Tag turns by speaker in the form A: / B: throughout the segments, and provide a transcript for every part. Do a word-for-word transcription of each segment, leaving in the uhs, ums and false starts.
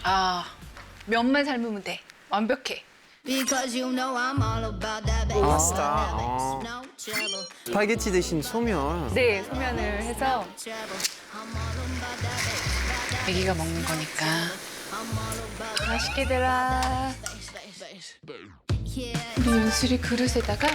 A: 아, 면만 삶으면 돼. 완벽해.
B: 파스타. 어. 스파게티 대신 소면.
C: 네, 소면을 해서
A: 애기가 먹는 거니까. 맛있게들아. 우리 윤슬이 그릇에다가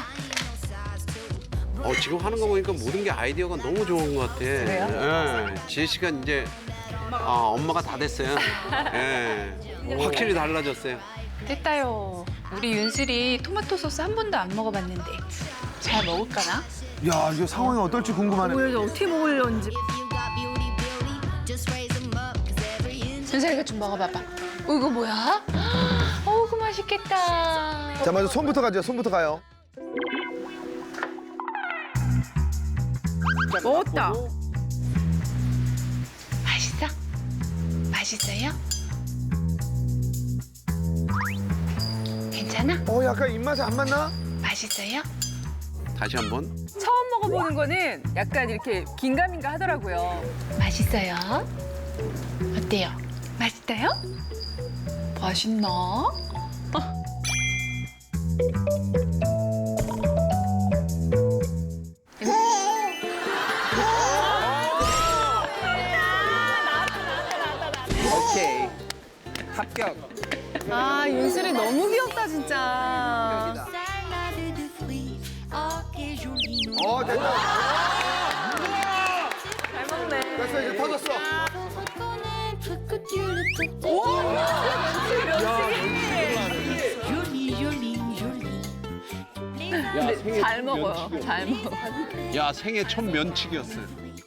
D: 어, 지금 하는 거 보니까 모든 게 아이디어가 너무 좋은 것 같아.
C: 그래요?
D: 예. 지혜 씨가 이제 어, 엄마가 다 됐어요. 예. 확실히 달라졌어요.
A: 됐다요. 우리 윤슬이 토마토 소스 한 번도 안 먹어봤는데 잘 먹을까나?
E: 야, 이거 상황이 어떨지 궁금하네.
C: 오늘 어떻게 먹으려는지.
A: 윤슬이가 좀 먹어봐봐. 어, 이거 뭐야? 어우, 맛있겠다.
E: 자, 먼저 손부터 가죠. 손부터 가요.
C: 먹었다.
A: 맛있어? 맛있어요? 괜찮아?
E: 어, 약간 입맛에 안 맞나?
A: 맛있어요?
D: 다시 한번.
C: 처음 먹어보는 거는 약간 이렇게 긴가민가 하더라고요.
A: 맛있어요? 어때요? 맛있어요? 맛있나?
B: 오케이. 합격.
C: 아, 윤슬이 너무 귀엽다, 진짜.
E: 어, 됐다.
C: 잘 먹네.
E: 됐어, 이제 터졌어.
C: 근데 잘 먹어요. 잘 먹어.
D: 야, 생애 첫 면치기였어요.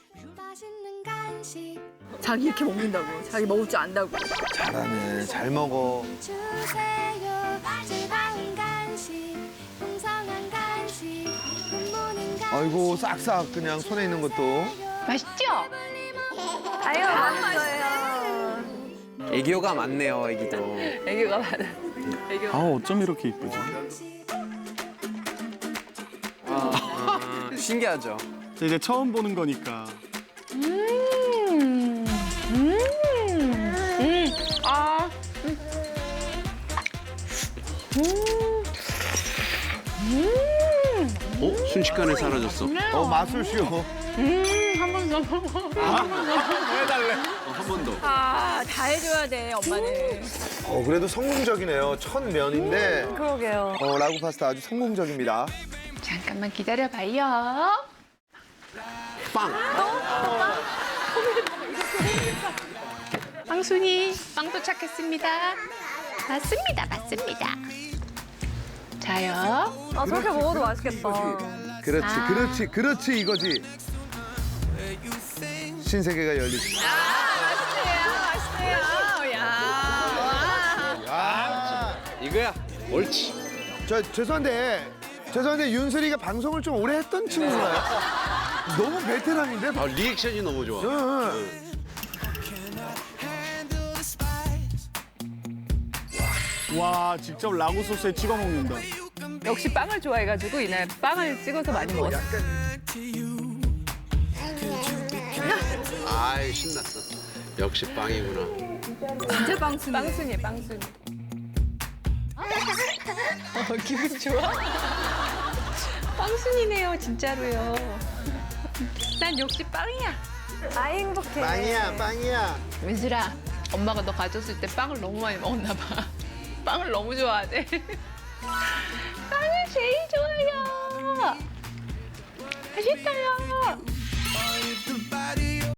C: 자기 이렇게 먹는다고. 자기 먹을 줄 안다고.
E: 잘하네. 잘 먹어. 아이고, 싹싹 그냥 손에 있는 것도.
A: 맛있죠?
C: 아유, 맛있어요.
B: 애교가 많네요, 애기도.
C: 애교가 많아. 애교.
F: 아 어쩜 이렇게 이쁘지?
B: 아, 신기하죠?
F: 저 이제 처음 보는 거니까.
A: 음, 음, 음, 아, 음, 음,
D: 어? 순식간에 사라졌어.
E: 어, 마술쇼.
A: 음, 한 번 더.
D: 어, 한 번 더.
C: 아, 다 해줘야 돼, 엄마는.
E: 어, 그래도 성공적이네요. 첫 면인데.
C: 그러게요.
E: 어, 라구 파스타 아주 성공적입니다.
A: 잠깐만 기다려봐요.
D: 빵.
A: 빵순이, 빵 도착했습니다. 맞습니다, 맞습니다. 자요.
C: 아, 저렇게 먹어도 맛있겠다.
E: 그렇지,
A: 아.
E: 그렇지, 그렇지, 이거지. 신세계가 열리지.
C: 맛있네요, 맛있네요. 야.
E: 아,
D: 이거야. 옳지.
E: 저 죄송한데, 죄송한데 윤슬이가 방송을 좀 오래 했던 친구인가요? 너무 베테랑인데?
D: 아, 리액션이 너무 좋아.
E: 응.
F: 와 직접 라구 소스에 찍어 먹는다.
C: 역시 빵을 좋아해가지고 이날 빵을 찍어서 많이 먹었어.
D: 아이, 신났어. 역시 빵이구나.
C: 진짜 빵순이. 빵순이에요, 빵순이.
A: 어, 기분 좋아? 빵순이네요, 진짜로요. 난 역시 빵이야.
C: 아, 행복해.
E: 빵이야, 빵이야.
A: 민슬아, 엄마가 너 가졌을 때 빵을 너무 많이 먹었나 봐. 빵을 너무 좋아하네. 빵을 제일 좋아해요. 맛있어요.